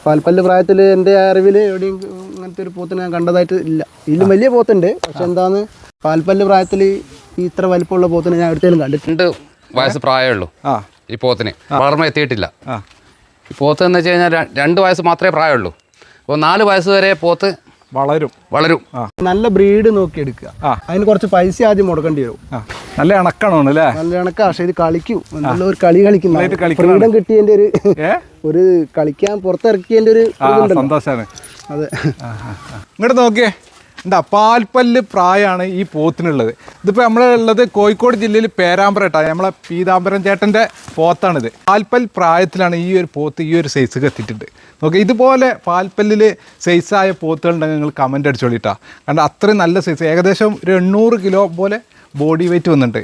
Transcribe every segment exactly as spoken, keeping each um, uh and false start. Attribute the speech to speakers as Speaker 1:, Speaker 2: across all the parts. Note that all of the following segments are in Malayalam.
Speaker 1: പാൽപ്പല്ല് പ്രായത്തിൽ എൻ്റെ അറിവിൽ എവിടെയും അങ്ങനത്തെ ഒരു പോത്തിനെ ഞാൻ കണ്ടതായിട്ട് ഇല്ല. ഇതിലും വലിയ പോത്തുണ്ട്, പക്ഷെ എന്താന്ന് പാൽപ്പല്ല് പ്രായത്തിൽ ഈ ഇത്ര വലിപ്പമുള്ള പോത്തിനെ ഞാൻ എടുത്തേലും കണ്ടിട്ടുണ്ട്.
Speaker 2: വയസ്സ് പ്രായമുള്ളൂ ഈ പോത്തിന്, വളർമ്മ എത്തിയിട്ടില്ല. ഈ പോത്ത് എന്ന് വെച്ച് കഴിഞ്ഞാൽ രണ്ട് വയസ്സ് മാത്രമേ പ്രായമുള്ളൂ. അപ്പോൾ നാല് വയസ്സ് വരെ പോത്ത്
Speaker 3: വളരും വളരും
Speaker 1: നല്ല ബ്രീഡ് നോക്കി എടുക്കുക. അതിന് കുറച്ച് പൈസ ആദ്യം മുടക്കേണ്ടി വരും.
Speaker 3: നല്ല ഇണക്കണോ അല്ലേ? നല്ല
Speaker 1: ഇണക്കാ, പക്ഷെ ഇത് കളിക്കും, നല്ല ഒരു കളി കളിക്കുന്ന ഫ്രീഡം കിട്ടിയതിന്റെ ഒരു ഒരു കളിക്കാൻ പുറത്തിറക്കിയതിന്റെ ഒരു
Speaker 3: സന്തോഷമാണ്.
Speaker 1: അതെ,
Speaker 3: ഇങ്ങോട്ട് നോക്കിയേ, എന്താ പാൽപ്പല്ല് പ്രായമാണ് ഈ പോത്തിനുള്ളത്. ഇതിപ്പോൾ നമ്മളുള്ളത് കോഴിക്കോട് ജില്ലയിൽ പേരാമ്പ്രട്ടാണ്, നമ്മളെ പീതാംബരം ചേട്ടൻ്റെ പോത്താണിത്. പാൽപ്പൽ പ്രായത്തിലാണ് ഈ ഒരു പോത്ത് ഈ ഒരു സൈസ് എത്തിയിട്ടുണ്ട്. നോക്കി, ഇതുപോലെ പാൽപ്പല്ലിൽ സൈസായ പോത്തുകളുണ്ടെങ്കിൽ നിങ്ങൾ കമൻ്റ് അടിച്ചോളിട്ടാ. കാരണം അത്രയും നല്ല സൈസ്, ഏകദേശം ഒരു എണ്ണൂറ് കിലോ പോലെ ബോഡി വെയിറ്റ് വന്നിട്ടുണ്ട്.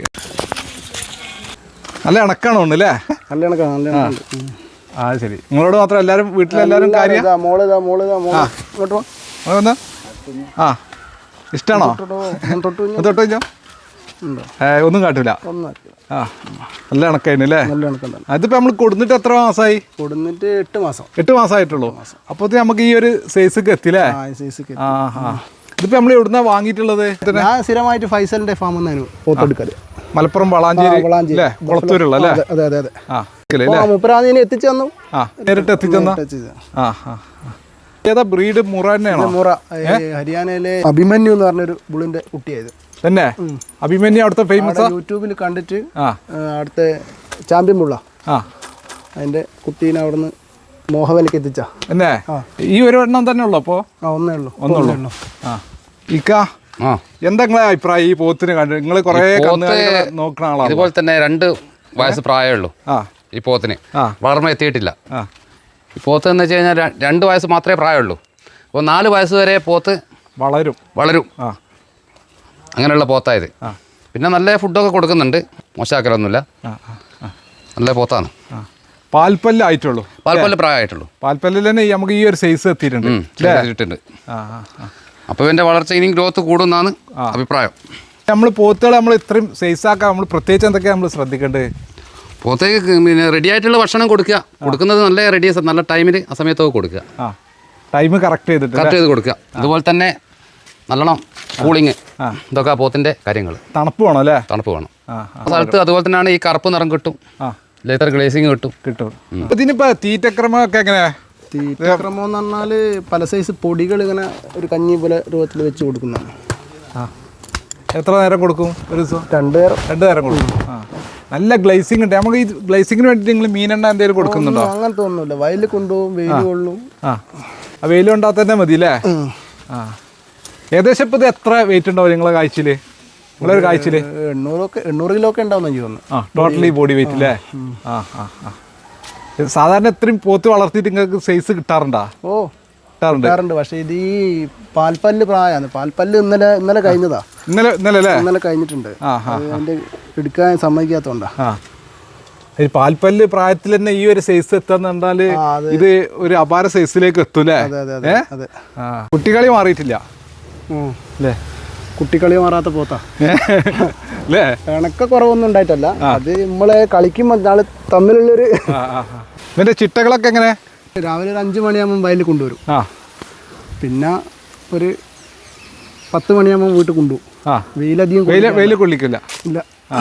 Speaker 3: നല്ല ഇണക്കാണോ ഉണ്ട് അല്ലേ?
Speaker 1: നല്ല ഇണക്കാണ്, നല്ല ഇണക്കുണ്ട്.
Speaker 3: ആ ശരി, നിങ്ങളോട് മാത്രം എല്ലാവരും വീട്ടിലെല്ലാവരും കാര്യം ആ ഇഷ്ടമാണോ? തൊട്ട് കഴിഞ്ഞോ? ഒന്നും കാട്ടില്ല. ആ നല്ല കണക്കായിരുന്നു അല്ലേ? അതിപ്പോൾ നമ്മൾ കൊടുത്തിട്ട് എത്ര മാസമായി?
Speaker 1: കൊടുത്തിട്ട് എട്ട് മാസം
Speaker 3: എട്ട് മാസമായിട്ടുള്ളൂ. അപ്പോൾ നമുക്ക് ഈ ഒരു സൈസൊക്കെ എത്തില്ലേ? ആ ആ ഇതിപ്പോൾ നമ്മൾ എവിടുന്നാ വാങ്ങിയിട്ടുള്ളത്?
Speaker 1: ഞാൻ സ്ഥിരമായിട്ട് ഫൈസലിന്റെ ഫാമിൽ നിന്നാണ് പോത്തെടുക്കല്.
Speaker 3: മലപ്പുറം വളാഞ്ചേരി അല്ലേ, കുളത്തൂരുള്ള അല്ലേ?
Speaker 1: അതെ അതെ അതെ.
Speaker 3: ആ
Speaker 1: മുപ്പറാതിനെ എത്തിച്ചു തന്നു.
Speaker 3: ആ നേരിട്ട് എത്തിച്ചു തന്ന. ആ ആ ഏതാ ബ്രീഡ്? മുറ തന്നെയാണോ?
Speaker 1: മുറ, ഹരിയാനയിലെ അഭിമന്യു എന്ന് പറഞ്ഞൊരു ബുളിന്റെ കുട്ടിയായത്
Speaker 3: തന്നെ. അഭിമന്യു അവിടുത്തെ ഫേമസ്,
Speaker 1: യൂട്യൂബിൽ കണ്ടിട്ട് അവിടുത്തെ ചാമ്പ്യൻ ബുള്ള, അതിന്റെ കുട്ടീനെ അവിടുന്ന് മോഹവലിക്ക് എത്തിച്ച.
Speaker 3: എന്നെ ഈ ഒരു എണ്ണം തന്നെ ഉള്ളു? അപ്പോ
Speaker 1: ഒന്നേ ഉള്ളൂ.
Speaker 3: ഒന്നുള്ളൂ. ആ ഇക്ക, എന്താ നിങ്ങളെ അഭിപ്രായം ഈ പോത്തിന് കണ്ടു? നിങ്ങൾ കുറെ നോക്കുന്ന ആളാണ്.
Speaker 2: ഇതുപോലെ തന്നെ രണ്ട് വയസ്സ് പ്രായമുള്ളൂ ഈ പോത്തിന്, വളർമ്മ എത്തിയിട്ടില്ല. ഈ പോത്ത് എന്ന് വെച്ച് കഴിഞ്ഞാൽ രണ്ട് വയസ്സ് മാത്രമേ പ്രായമുള്ളൂ. അപ്പോൾ നാല് വയസ്സ് വരെ പോത്ത്
Speaker 3: വളരും വളരും
Speaker 2: അങ്ങനെയുള്ള പോത്തായത്. പിന്നെ നല്ല ഫുഡൊക്കെ കൊടുക്കുന്നുണ്ട്, മോശമാക്കലൊന്നുമില്ല, നല്ല പോത്താണ്.
Speaker 3: പാൽപ്പല്ല് ആയിട്ടുള്ളൂ,
Speaker 2: പാൽപ്പല്ല് പ്രായമായിട്ടുള്ളൂ.
Speaker 3: പാൽപ്പല്ലിൽ തന്നെ നമുക്ക് ഈ ഒരു സൈസ് എത്തിയിട്ടുണ്ട്.
Speaker 2: അപ്പോൾ ഇതിൻ്റെ വളർച്ച ഇനിയും ഗ്രോത്ത് കൂടുമെന്നാണ് അഭിപ്രായം.
Speaker 3: നമ്മൾ പോത്തുകൾ നമ്മൾ ഇത്രയും സൈസാക്കാൻ നമ്മൾ പ്രത്യേകിച്ച് എന്തൊക്കെയാണ് നമ്മൾ ശ്രദ്ധിക്കേണ്ടത്?
Speaker 2: പോത്തേക്ക് പിന്നെ റെഡി ആയിട്ടുള്ള ഭക്ഷണം കൊടുക്കുക, കൊടുക്കുന്നത് നല്ല റെഡി നല്ല ടൈമിൽ ആ സമയത്തൊക്കെ കൊടുക്കുക,
Speaker 3: ടൈം കറക്റ്റ് ചെയ്തിട്ട്
Speaker 2: കറക്റ്റ് ചെയ്ത് കൊടുക്കുക. അതുപോലെ തന്നെ നല്ലോണം കൂളിങ്, ഇതൊക്കെ പോത്തിൻ്റെ കാര്യങ്ങൾ.
Speaker 3: തണുപ്പ് വേണം അല്ലേ?
Speaker 2: തണുപ്പ് വേണം ആ സ്ഥലത്ത്. അതുപോലെ തന്നെയാണ് ഈ കറുപ്പ് നിറം കിട്ടും, ലെതർ ഗ്ലേസിങ് കിട്ടും കിട്ടും.
Speaker 3: ഇതിനിപ്പോ തീറ്റക്രമമൊക്കെ എങ്ങനെയാ?
Speaker 1: തീറ്റക്രമം എന്ന് പറഞ്ഞാൽ പല സൈസ് പൊടികൾ ഇങ്ങനെ ഒരു കഞ്ഞി പോലെ രൂപത്തിൽ വെച്ച് കൊടുക്കുന്നതാണ്.
Speaker 3: എത്ര നേരം കൊടുക്കും ഒരു ദിവസം?
Speaker 1: രണ്ട് നേരം
Speaker 3: രണ്ട് നേരം കൊടുക്കും. ആ നല്ല ഗ്ലേസിംഗ് ഉണ്ട്. നമുക്ക് ഈ ഗ്ലേസിങ്ങിന് വേണ്ടിയിട്ട് നിങ്ങൾ മീനെണ്ണ എന്തെങ്കിലും കൊടുക്കുന്നുണ്ടോ?
Speaker 1: അങ്ങനത്തെ ഒന്നുമില്ല, വയലിൽ കൊണ്ടുപോകും, വെയിൽ കൊള്ളും.
Speaker 3: ആ ആ വെയിൽ കൊണ്ടാൽ തന്നെ മതി അല്ലേ? ആ ഏകദേശം ഇപ്പോൾ ഇത് എത്ര വെയിറ്റ് ഉണ്ടാവും നിങ്ങളെ കാഴ്ചയിൽ? നിങ്ങളൊരു കാഴ്ചയിൽ
Speaker 1: എണ്ണൂറൊക്കെ എണ്ണൂറ് കിലോ ഒക്കെ ഉണ്ടാവും എനിക്ക് തോന്നുന്നു.
Speaker 3: ആ ടോട്ടലി ബോഡി വെയിറ്റ് അല്ലേ? ആ ആ ആ സാധാരണ എത്രയും പോത്ത് വളർത്തിയിട്ട് നിങ്ങൾക്ക് സൈസ് കിട്ടാറുണ്ടോ?
Speaker 1: ഓ കിട്ടാറുണ്ട്. പക്ഷേ ഇത് ഈ പാൽപ്പല്ല് പ്രായമാണ്. പാൽപ്പല്ല് ഇന്നലെ ഇന്നലെ കഴിഞ്ഞതാ.
Speaker 3: ഇന്നലെ ഇന്നലെ
Speaker 1: ഇന്നലെ കഴിഞ്ഞിട്ടുണ്ട്. അതിന്റെ എടുക്കാൻ സമ്മതിക്കാത്തോണ്ടാ.
Speaker 3: ഈ പാൽപ്പല്ല് പ്രായത്തിൽ തന്നെ ഈ ഒരു സൈസ് എത്താന്ന് പറഞ്ഞാല് ഇത് ഒരു അപാര സൈസിലേക്ക് എത്തൂലേ? കുട്ടികളി മാറിയിട്ടില്ല അല്ലേ?
Speaker 1: കുട്ടിക്കളി മാറാത്ത പോത്താ അല്ലേ? കണക്ക കുറവൊന്നും ഉണ്ടായിട്ടല്ല, അത് നമ്മളെ കളിക്കുമ്പോൾ നാളെ തമ്മിലുള്ളൊരു.
Speaker 3: ഇതിന്റെ ചിട്ടകളൊക്കെ എങ്ങനെ?
Speaker 1: രാവിലെ ഒരു അഞ്ച് മണിയാകുമ്പോൾ വയലിൽ കൊണ്ടുവരും. ആ പിന്നെ ഒരു പത്ത് മണിയാകുമ്പോൾ വീട്ടിൽ കൊണ്ടുപോകും. ആ വെയിലധികം
Speaker 3: വെയിൽ കൊള്ളിക്കില്ല
Speaker 1: ഇല്ല.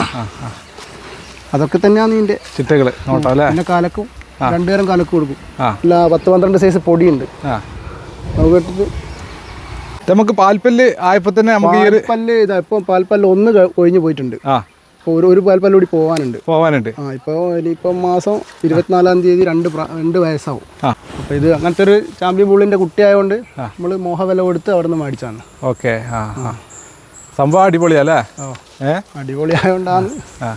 Speaker 1: അതൊക്കെ തന്നെയാണ് ഇതിൻ്റെ
Speaker 3: ചിട്ടകൾ.
Speaker 1: പിന്നെ കാലക്കും രണ്ടുപേരും കാലക്കും കൊടുക്കും. അല്ല പത്ത് പന്ത്രണ്ട് സൈസ് പൊടിയുണ്ട്. നമുക്ക്
Speaker 3: നമുക്ക് പാൽപ്പല്ല് ആയപ്പോൾ തന്നെ നമുക്ക് ഈ ഒരു
Speaker 1: പല്ല് ഇതാ ഇപ്പം പാൽപ്പല്ല് ഒന്ന് കൊഴിഞ്ഞു പോയിട്ടുണ്ട്. ആ ഇപ്പോൾ ഒരു ഒരു പാൽപ്പല്ല് കൂടി പോകാനുണ്ട്
Speaker 3: പോകാനുണ്ട്
Speaker 1: ആ ഇപ്പോൾ ഇനിയിപ്പം മാസം ഇരുപത്തിനാലാം തീയതി രണ്ട് രണ്ട് വയസ്സാവും. അപ്പോൾ ഇത് അങ്ങനത്തെ ഒരു ചാമ്പ്യൻ ബുള്ളിൻ്റെ കുട്ടിയായതുകൊണ്ട് നമ്മൾ മോഹവില കൊടുത്ത് അവിടെ നിന്ന് മേടിച്ചാണ്.
Speaker 3: ഓക്കെ ആ ആ സംഭവം അടിപൊളിയല്ലേ?
Speaker 1: ഏ അടിപൊളിയായതുകൊണ്ടാണ്.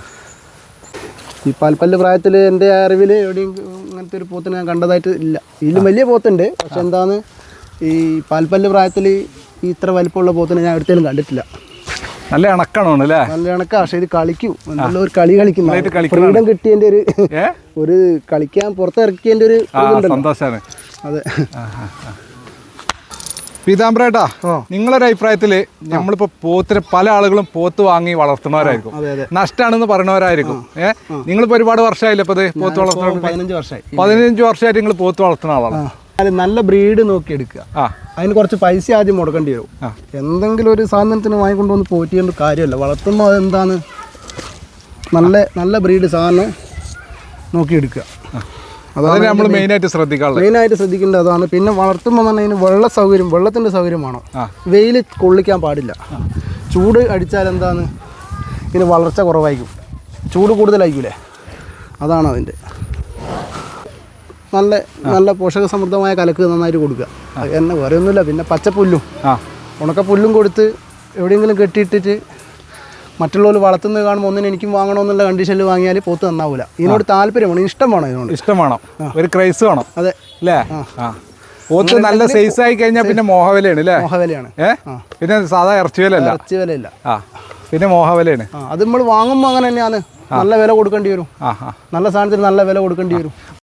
Speaker 1: ഈ പാൽപ്പല്ല് പ്രായത്തിൽ എൻ്റെ അറിവിൽ എവിടെയും അങ്ങനത്തെ ഒരു പോത്തിനെ ഞാൻ കണ്ടതായിട്ട് ഇല്ല. ഇതിലും വലിയ പോത്തുണ്ട്, പക്ഷെ എന്താണ് ഈ പാൽപ്പല്ല് പ്രായത്തിൽ ഈ ഇത്ര വലിപ്പമുള്ള പോത്തിനെ ഞാൻ എടുത്തേലും കണ്ടിട്ടില്ല.
Speaker 3: നല്ല ഇണക്കണോ അല്ലേ?
Speaker 1: നല്ല ഇണക്ക, പക്ഷെ ഇത് കളിക്കും, നല്ല ഒരു കളി കളിക്കുന്ന ഫ്രീഡം കിട്ടിയതിൻ്റെ ഒരു ഒരു കളിക്കാൻ പുറത്തിറക്കിയതിൻ്റെ ഒരു
Speaker 3: സന്തോഷമാണ്.
Speaker 1: അതെ.
Speaker 3: പീതാംബരേട്ടാ, നിങ്ങളൊരു അഭിപ്രായത്തില് നമ്മളിപ്പോ പോത്തിന് പല ആളുകളും പോത്ത് വാങ്ങി വളർത്തുന്നവരായിരിക്കും, നഷ്ടമാണെന്ന് പറയുന്നവരായിരിക്കും. ഏഹ് നിങ്ങളിപ്പോ ഒരുപാട് വർഷമായില്ലേ ഇപ്പൊ ഇത് പോത്ത് വളർത്തുന്ന?
Speaker 1: പതിനഞ്ച് വർഷമായി
Speaker 3: പതിനഞ്ച് വർഷമായിട്ട് നിങ്ങൾ പോത്ത് വളർത്തുന്ന ആളാണ്.
Speaker 1: അത് നല്ല ബ്രീഡ് നോക്കി എടുക്കുക.
Speaker 3: ആ
Speaker 1: അതിന് കുറച്ച് പൈസ ആദ്യം മുടക്കേണ്ടി വരും. എന്തെങ്കിലും ഒരു സാധനത്തിന് വാങ്ങിക്കൊണ്ടുവന്ന് പോറ്റിയൊന്നും കാര്യമല്ല. വളർത്തുമ്പോൾ അതെന്താണ് നല്ല നല്ല ബ്രീഡ് സാധനം നോക്കിയെടുക്കുക.
Speaker 3: അതാണ് നമ്മൾ മെയിനായിട്ട് ശ്രദ്ധിക്കാറുള്ളത്.
Speaker 1: മെയിനായിട്ട് ശ്രദ്ധിക്കേണ്ടത് അതാണ്. പിന്നെ വളർത്തുമ്പോൾ തന്നെ അതിന് വെള്ള സൗകര്യം വെള്ളത്തിൻ്റെ സൗകര്യം വേണം. വെയിൽ കൊള്ളിക്കാൻ പാടില്ല. ചൂട് അടിച്ചാൽ എന്താണ് ഇതിന് വളർച്ച കുറവായിരിക്കും, ചൂട് കൂടുതലായിരിക്കൂലേ, അതാണ് അതിൻ്റെ. നല്ല നല്ല പോഷക സമൃദ്ധമായ കലക്ക് നന്നായിട്ട് കൊടുക്കുക. എന്നെ വേറെ ഒന്നുമില്ല. പിന്നെ പച്ചപ്പുല്ലും ഉണക്കപ്പുല്ലും കൊടുത്ത് എവിടെയെങ്കിലും കെട്ടിയിട്ടിട്ട് മറ്റുള്ളവർ വളർത്തുന്നത് കാണുമ്പോൾ ഒന്നിനും എനിക്കും വാങ്ങണമെന്നുള്ള കണ്ടീഷനിൽ വാങ്ങിയാൽ പോത്ത് നന്നാവില്ല. ഇതിനോട് താല്പര്യമാണ്, ഇഷ്ടം വേണം. ഇതിനോട് ഇഷ്ടം
Speaker 3: വേണം, ഒരു ക്രൈസ് വേണം.
Speaker 1: അതെ
Speaker 3: അല്ലേ? പോത്ത് നല്ല സൈസ് ആയി കഴിഞ്ഞാൽ പിന്നെ മോഹവിലയാണ് അല്ലേ?
Speaker 1: മോഹവിലയാണ്.
Speaker 3: ഏഹ് പിന്നെ സാധാ ഇറച്ചി വിലയല്ല,
Speaker 1: ഇറച്ചി വിലയില്ല. ആ
Speaker 3: പിന്നെ മോഹവിലയാണ്.
Speaker 1: അത് നമ്മൾ വാങ്ങുമ്പോൾ അങ്ങനെ തന്നെയാണ്. നല്ല വില കൊടുക്കേണ്ടി വരും. നല്ല സാധനത്തിന് നല്ല വില കൊടുക്കേണ്ടി വരും.